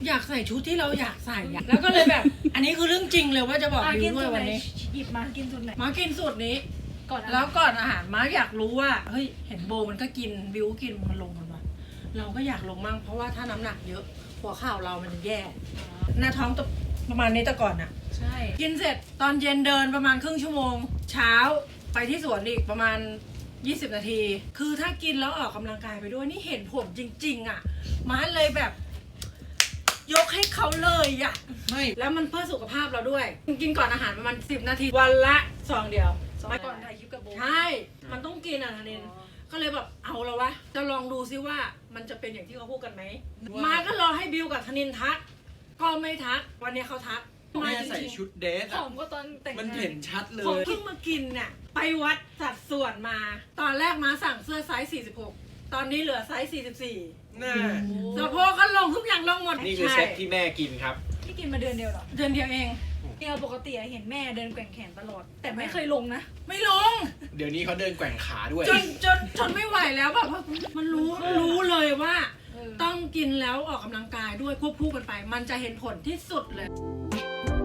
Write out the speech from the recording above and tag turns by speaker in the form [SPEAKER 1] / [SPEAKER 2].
[SPEAKER 1] อยากใส่ชุดที่เราอยากใส่อะแล้วก็เลยแบบ อันนี้คือเรื่องจริงเลยว่าจะบอกบิวด้วยวันนี้
[SPEAKER 2] หยิบมากินสูตรไหน
[SPEAKER 1] มากินสูตรนี้
[SPEAKER 2] ก่อน
[SPEAKER 1] แล้วก่อนอาหารมาอยากรู้ว่าเฮ้ยเห็นโบมันก็กินบิวกินมันลงกันวะเราก็อยากลงมั่งเพราะว่าถ้าน้ำหนักเยอะหัวเข่าเรามันแย่หน้าท้องประมาณนี้แต่ก่อนอะ
[SPEAKER 2] ใช่
[SPEAKER 1] กินเสร็จตอนเย็นเดินประมาณครึ่งชั่วโมงเช้าไปที่สวนอีกประมาณ20 นาที คือถ้ากินแล้วออกกำลังกายไปด้วยนี่เห็นผลจริงๆอะมาเลยแบบ ยกให้เขาเลยอะไม่แล้วมันเพื่อสุขภาพเราด้วยกินก่อนอาหารประมาณ10 นาทีวันละซองเดียว
[SPEAKER 2] มาก่อนถ่ายคลิปกับโบ
[SPEAKER 1] ใช่มันต้องกินอ่ะธนินก็เลยแบบเอาแล้ววะจะลองดูซิว่ามันจะเป็นอย่างที่เขาพูดกันไหมมาก็รอให้บิวกับธนินทักก็ไม่ทักวันนี้เขาทัก
[SPEAKER 3] แม่ใส่ชุดเดรส
[SPEAKER 2] ผ
[SPEAKER 3] อะ
[SPEAKER 2] อมก็ตอนแต่ง
[SPEAKER 3] มัน
[SPEAKER 2] งาน
[SPEAKER 3] เห็นชัดเล
[SPEAKER 1] ผม
[SPEAKER 3] ย
[SPEAKER 1] เพิ่งมากินเนี่ยไปวัดสัดส่วนมา ตอนแรกมาสั่งเสื้อไซส์46ตอนนี้เหลือไซส์44
[SPEAKER 3] น่า
[SPEAKER 1] สะโพกก็ลงทุกอย่างลงหมด
[SPEAKER 4] นี่คือเซ็ตที่แม่กินครับ
[SPEAKER 2] ที่กินมาเดือนเดียวเหรอ
[SPEAKER 1] เดือนเดียวเอง
[SPEAKER 2] เนี่ยปกติเห็นแม่เดินแกว่งแขนตลอด แต่ไม่เคยลงนะ
[SPEAKER 1] ไม่ลง
[SPEAKER 4] เดี๋ยวนี้เขาเดินแกว่งขาด้วย
[SPEAKER 1] จนไม่ไหวแล้วแบบว่ามันรู้เลยว่า
[SPEAKER 2] เออ
[SPEAKER 1] ต้องกินแล้วออกกำลังกายด้วยควบคู่กันไป มันจะเห็นผลที่สุดเลย